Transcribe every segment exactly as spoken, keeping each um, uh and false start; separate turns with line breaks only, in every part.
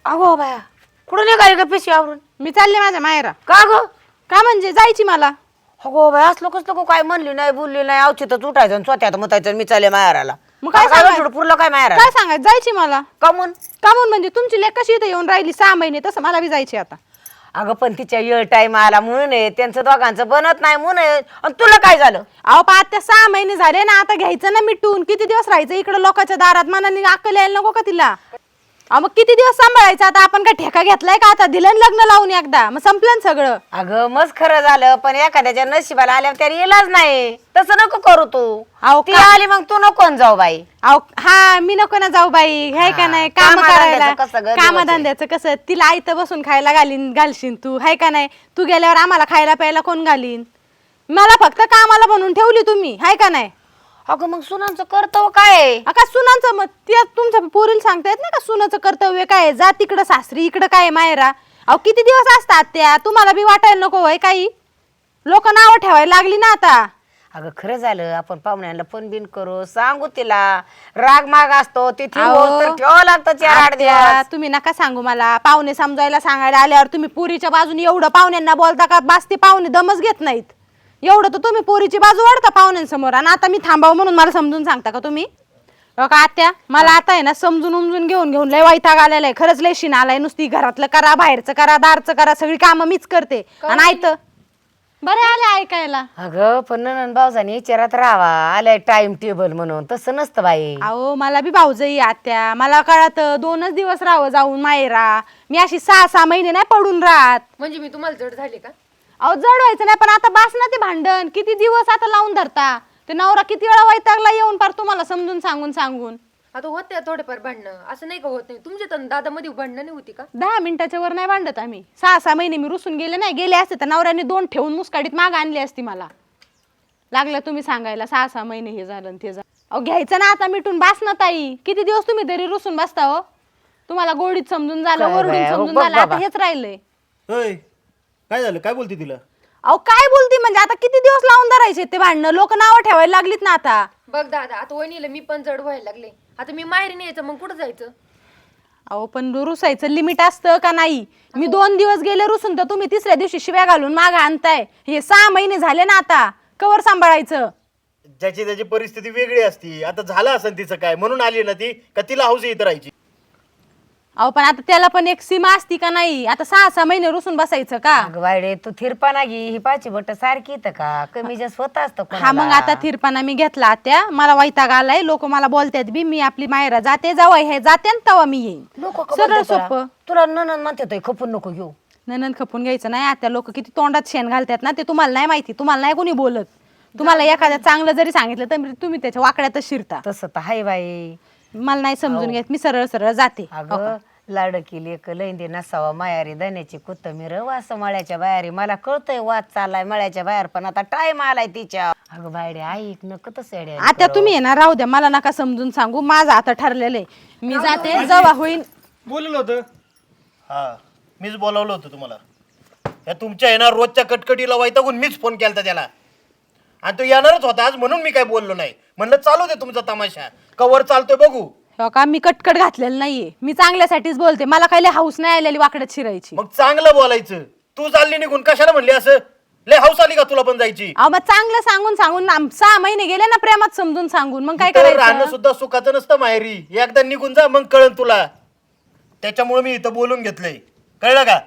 अगो बाया कुठं निघाली का पिशवी आवरून?
मी चालले माझ्या मायरा.
का ग?
का म्हणजे जायची मला.
अगो बाया असलो कसलं काय म्हणली नाही बोलली नाही अवचितच उठायचं आणि स्वतःत मुतायचं मी चालले माहेराला.
मग काय
काय
सांगायचं?
पुरलं काय माहेरा?
काय सांगायचं जायची मला.
कमून?
का म्हणून म्हणजे तुमची लेक कशी इथे येऊन राहिली सहा महिने तसं मला बी जायची आता.
अगं पण तिच्या येळ टाइम आला म्हणून आहे त्यांचं दोघांचं बनत नाही म्हणून आहे. आणि तुला काय झालं?
अहो पा त्या सहा महिने झाले ना आता घ्यायचं ना मिटून. किती दिवस राहायचं इकडे लोकांच्या दारात मनाने अक्कल यायला नको का तिला. अहो मग किती दिवस सांभाळायचं आता आपण काय ठेका घेतलाय का आता दिलं ना लग्न लावून एकदा मग संपलं ना सगळं.
अगं मस्त खरं झालं पण एखाद्याच्या नशिबाला आल्यावर त्याला इलाज नाही तसं नको करू तू.
अहो
ती
का-
आली मग तू नको न जाऊ बाई.
अहो हा मी नको ना जाऊ बाई हाय का
हा,
नाही काम
कामाधंद्याचं
करायला
कसं गं दिवस आहे?
कामधंद्याचं कसं तिला आयतं बसून खायला घालीन घालशील तू हाय का नाही. तू गेल्यावर आम्हाला खायला प्यायला कोण घालीन. मला फक्त कामाला बनवून ठेवली तुम्ही हाय का नाही.
अगं मग सुनांचं कर्तव्य काय आहे?
का सुनांचं मग त्या तुमच्या पोरीला सांगता येत नाही का सुनाचं कर्तव्य काय आहे? जा तिकडं सासरी इकडं काय आहे मायरा. अहो किती दिवस असतात त्या तुम्हाला बी वाटायला नको होय काही. लोक नावं ठेवायला लागली ना आता.
अगं खरं झालं आपण पाहुण्यांना फोन बिन करू सांगू तिला राग माग असतो तिथे
अहो,
तर ठेवावं लागतं चार आठ
आत्या,
दिवस.
तुम्ही नका सांगू मला पाहुणे समजायला सांगायला आल्यावर तुम्ही पोरीच्या बाजूने एवढं पाहुण्यांना बोलता का बास ते पाहुणे दमच घेत नाहीत. एवढं तर तुम्ही पोरीची बाजू वाढता पाहुण्यांसमोर आणि आता मी थांबावं म्हणून मला समजून सांगता का तुम्ही. अहो का आत्या मला आता आहे ना समजून उमजून घेऊन घेऊन लय वैताग आलेला आहे खरंच लय शिन आलाय. नुसती घरातलं करा बाहेरचं करा दारचं करा सगळी कामं मीच करते आणि ऐकतं बरं आले ऐकायला.
अगं पण ननंद भाऊजाने विचारात राहावा आलाय टाइम टेबल म्हणून तसं नसतं बाई.
अहो मला बी भाऊजई आत्या मला कळत दोनच दिवस राहावं जाऊन मायरा. मी अशी सहा सहा महिने नाही पडून राहत.
म्हणजे मी तुम्हाला जड झाले का?
अहो जड व्हायचं नाही पण आता बास ना ते भांडण किती दिवस आता लावून धरता. ते नवरा किती वेळा वैतागला येऊन पार तुम्हाला समजून सांगून सांगून.
आता होत्या थोडेफार भांडणं असं नाही का होत नाही. तुमच्या तर दादामध्ये भांडणं नाही होती का?
दहा मिनिटाच्या वर नाही भांडत आम्ही. सहा सहा महिने मी रुसून गेले नाही गेले असते तर नवऱ्याने दोन ठेवून मुस्काडीत माग आणली असती मला. लागलं तुम्ही सांगायला सहा सहा महिने हे झालं आणि ते झालं. अहो घ्यायचं ना आता मिटून बास ना ताई. किती दिवस तुम्ही तरी रुसून बसता हो. तुम्हाला गोडीत समजून झालं
काय
ओरडून
बाया, हो
समजून
बघ
झालं आता
बाबा.
हेच राहिलंय.
होय काय झालं काय बोलते तिला?
अहो काय बोलती म्हणजे आता किती दिवस लावून धरायचे ते भांडणं लोक नावं ठेवायला लागलीत ना आता.
बघ दादा आता वहिनीला मी पण जड व्हायला लागले. आता मी माहेरी नाही यायचं मग कुठं जायचं?
अहो पण रुसायचं लिमिट असतं का नाही. मी दोन दिवस गेले रुसून तर तुम्ही तिसऱ्या दिवशी शिव्या घालून माग आणताय. हे सहा महिने झाले ना आता कवर सांभाळायचं.
ज्याची त्याची परिस्थिती वेगळी असती. आता झालं असेल तिचं काय म्हणून आली ना ती का तिला हौस इथं राहायची?
अहो पण आता त्याला पण एक सीमा असती का नाही. आता सहा सहा महिने रुसून बसायचं का.
अगं बायडे तू थिरपाना घे ही पाची बट सारखी इथं का कमी जास्त होत असतं
हा मग आता थिरपाना मी घेतला त्या मला वैताग आलाय. लोक मला बोलतात बी मी आपली मायरा जाते जावं हे जाते आणि तेव्हा मी येईन. सरळ सोपं.
तुला ननंद म्हणते खपून नको घेऊ.
ननंद खपून घ्यायचं नाही. आता लोक किती तोंडात शेण घालतात ना ते तुम्हाला नाही माहिती. तुम्हाला नाही कोणी बोलत. तुम्हाला एखाद्या चांगलं जरी सांगितलं तर तुम्ही त्याच्या वाकड्यातच शिरता.
तसं तर हाय बाई.
मला नाही समजून घेत मी सरळ सरळ जाते.
अगं लाडकी लेक लैंदी नसावा मायारी धन्याची कोथमीर वास मळ्याच्या बाहेर मला कळतंय वाद चाललाय मळ्याच्या बाहेर पण आता टाइम आलाय तिच्या. अगं बायडे ऐक नको तसं
आता तुम्ही आहे ना राहू द्या मला नका समजून सांगू. माझं आता ठरलेलं आहे मी जाते जेव्हा होईन.
बोललं होतं हा मीच बोलावलं होतं तुम्हाला. या तुमच्या येणार रोजच्या कटकटीला वैतागून मीच फोन केला त्याला आणि तो येणारच होता आज म्हणून मी काय बोललो नाही. म्हणलं चालू दे तुमचा तमाशा कवर चालतोय बघू.
हो का मी कटकट घातलेलं नाहीये. मी चांगल्यासाठीच बोलते. मला काही हाऊस नाही आलेली वाकड्यात शिरायची.
मग चांगलं बोलायचं. तू चालली निघून कशाला म्हणली असं? लय हौस आली का तुला पण जायची?
अहो मग चांगलं सांगून सांगून आम- सहा महिने गेले ना प्रेमात समजून सांगून मग काय
इथं राहणं
करायचं.
सुद्धा सुखाचं नसतं माहेरी. एकदा निघून जा मग कळन तुला. त्याच्यामुळे मी इथं बोलून घेतलंय कळलं का?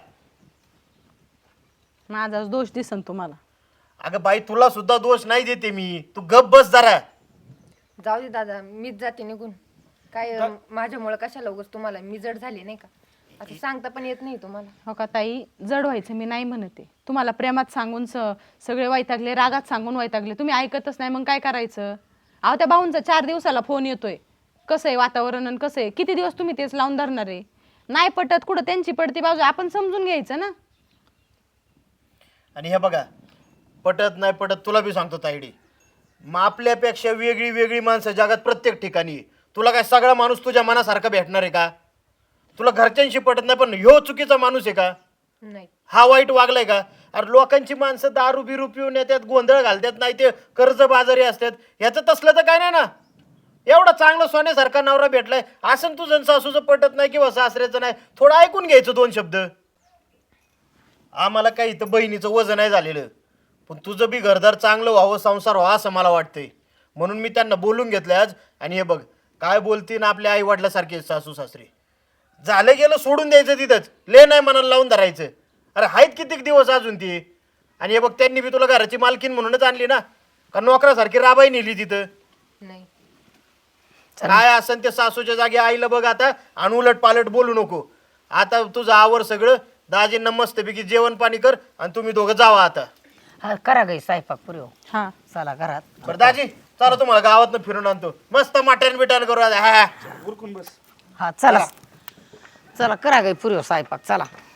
माझा दोष दिसन तुम्हाला.
अगं बाई तुला सुद्धा दोष नाही देते मी. तू गप बस जरा.
जाऊ दे दादा मीच जाते निघून. काय अं, माझ्यामुळे कशाला उगाच तुम्हाला मी जड झाली नाही का? असं सांगता पण येत नाही तुम्हाला.
हो का ताई जड व्हायचं मी नाही म्हणते. तुम्हाला प्रेमात सांगून स सगळे वैतागले रागात सांगून वैतागले तुम्ही ऐकतच नाही मग काय करायचं. अहो त्या भाऊंचा चार दिवसाला फोन येतोय कसं आहे वातावरण आणि कसं आहे किती दिवस तुम्ही तेच लावून धरणार आहे. नाही पटत कुठं त्यांची पडती बाजू आपण समजून घ्यायचं ना.
आणि हे बघा पटत नाही पटत तुला बी सांगतो तायडी. मग आपल्यापेक्षा वेगळी वेगळी माणसं जगात प्रत्येक ठिकाणी. तुला काय सगळा माणूस तुझ्या मनासारखा भेटणार आहे का? तुला घरच्यांशी पटत नाही पण ह्यो चुकीचा माणूस आहे का?
नाही
हा वाईट वागलाय का? अरे लोकांची माणसं दारू बिरू पिऊन येतात गोंधळ घालतात नाही ते कर्ज बाजारी असतात. ह्याचं तसलं तर काय नाही ना. एवढा चांगला सोन्यासारखा नवरा भेटलाय असं तुझं सासूचं पटत नाही किंवा सासऱ्याचं नाही, थोडं ऐकून घ्यायचं दोन शब्द. आम्हाला काही इथं बहिणीचं वजन नाही झालेलं, पण तुझं बी घरदार चांगलं व्हावं, संसार व्हावा असं मला वाटतंय. म्हणून मी त्यांना बोलून घेतलं आज. आणि हे बघ काय बोलतीन आपल्या आई वडिलासारखे सासू सासरे. झालं गेलं सोडून द्यायचं तिथंच, ले नाही मनाला लावून धरायचं. अरे आहेत कितीक दिवस अजून ती. आणि हे बघ त्यांनी बी तुला घराची मालकीन म्हणूनच आणली ना, का नोकरासारखी राबाई नेली तिथं.
नाही
काय असन ते सासूच्या जागी आईला बघ आता, आणि उलट पालट बोलू नको. आता तुझं आवर सगळं, दाजींना मस्तपैकी जेवण पाणी कर आणि तुम्ही दोघं जावा आता.
हा करा गई स्वयंपाक पुरी हो.
हा
चला घरात.
बरं दाजी चला तुम्हाला गावातनं फिरून आणतो, मस्त मटण बिटण करू आता. हा हा.
हा चला चला करा गई पुरी हो स्वयंपाक चला.